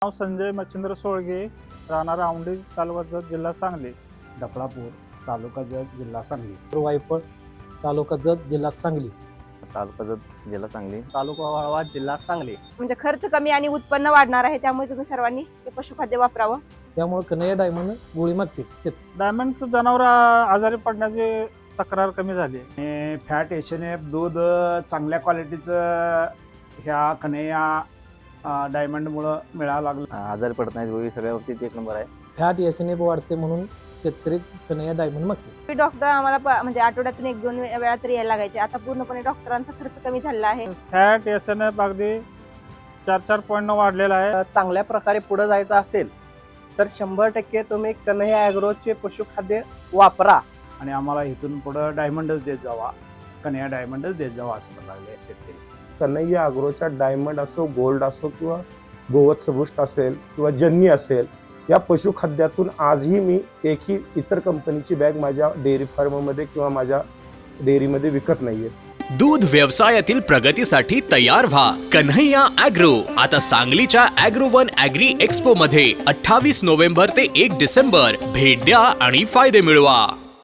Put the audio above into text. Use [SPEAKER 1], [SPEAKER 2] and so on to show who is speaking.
[SPEAKER 1] नाव संजय मच्छिंद्र सोळगे, राहणार औंढी, तालुका जत, जिल्हा सांगली.
[SPEAKER 2] डफळापूर, तालुका जत, जिल्हा सांगली.
[SPEAKER 3] वायफळ, तालुका जत, जिल्हा सांगली.
[SPEAKER 4] तालुका जत, जिल्हा सांगली.
[SPEAKER 5] तालुका वाळवा, जिल्हा सांगली.
[SPEAKER 6] म्हणजे खर्च कमी आणि उत्पन्न वाढणार आहे, त्यामुळे तुम्ही सर्वांनी हे पशुखाद्य वापरावं.
[SPEAKER 3] त्यामुळे कन्हैया डायमंड गोळी मागते
[SPEAKER 1] डायमंडचं जनावर आजारी पडण्याची तक्रार कमी झाली.
[SPEAKER 2] फॅट एशनेफ दूध चांगल्या क्वालिटीचं ह्या कन्हैया डायमंडमुळं मिळायला लागलं.
[SPEAKER 4] आजारी पडत नाही, गोळी सगळ्या बाबतीत एक नंबर आहे.
[SPEAKER 3] फॅट एसएनएफ वाढते म्हणून शेतकरी कन्हैया डायमंड मागते.
[SPEAKER 6] डॉक्टर आम्हाला म्हणजे आठवड्यातून 1-2 वेळा तरी यायला लागायचे. आता पूर्णपणे डॉक्टरांचा खर्च कमी झालेला आहे.
[SPEAKER 1] फॅट SNF अगदी 4 पॉईंट वाढलेला आहे.
[SPEAKER 5] चांगल्या प्रकारे पुढे जायचं असेल तर 100% तुम्ही कन्हैया ॲग्रोचे पशुखाद्य वापरा.
[SPEAKER 2] आणि आम्हाला इथून पुढं डायमंडच देत जावा, कन्हैया डायमंडच देत जावा असं म्हणायला लागले शेतकरी.
[SPEAKER 7] कन्हैया अॅग्रोच्या डायमंड असो, गोल्ड असो किंवा गोवत्स बूस्ट असेल किंवा जन्नी असेल, या पशुखाद्यातून आजही मी एकही इतर कंपनीची बॅग माझ्या डेअरी फार्ममध्ये किंवा माझ्या डेअरीमध्ये विकत नाहीये.
[SPEAKER 8] दूध व्यवसायातील प्रगतीसाठी तयार व्हा. कन्हैया ॲग्रो आता सांगलीच्या ॲग्रोवन ॲग्री एक्स्पो मध्ये 28 नोव्हेंबर ते 1 डिसेंबर भेट द्या आणि फायदे मिळवा.